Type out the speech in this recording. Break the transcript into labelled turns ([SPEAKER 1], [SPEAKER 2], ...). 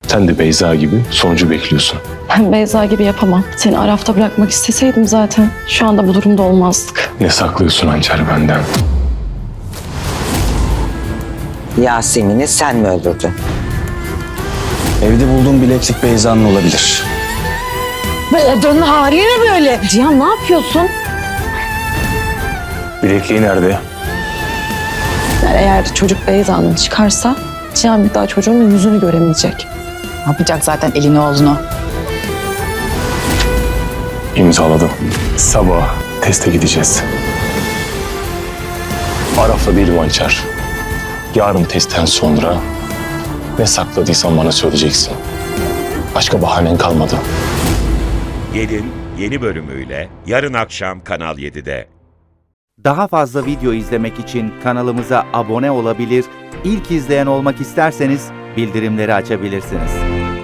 [SPEAKER 1] Sen de Beyza gibi sonucu bekliyorsun.
[SPEAKER 2] Ben Beyza gibi yapamam. Seni Araf'ta bırakmak isteseydim zaten şu anda bu durumda olmazdık.
[SPEAKER 1] Ne saklıyorsun Hançer benden?
[SPEAKER 3] Yasemin'i sen mi öldürdün?
[SPEAKER 4] Evde bulduğum bileklik Beyza'nın olabilir.
[SPEAKER 5] Bu odanın hali ne böyle?
[SPEAKER 2] Cihan ne yapıyorsun?
[SPEAKER 1] Bilekliği nerede?
[SPEAKER 2] Yani eğer çocuk Beyza'nın çıkarsa Cihan bir daha çocuğun yüzünü göremeyecek.
[SPEAKER 5] Ne yapacak zaten elini oğlunu?
[SPEAKER 1] İmzaladım. Sabah teste gideceğiz. Araf'la değilim Hançer. Yarın testten sonra ne sakladıysan bana söyleyeceksin. Başka bahanen kalmadı.
[SPEAKER 6] Gelin yeni bölümüyle yarın akşam Kanal 7'de.
[SPEAKER 7] Daha fazla video izlemek için kanalımıza abone olabilir, ilk izleyen olmak isterseniz bildirimleri açabilirsiniz.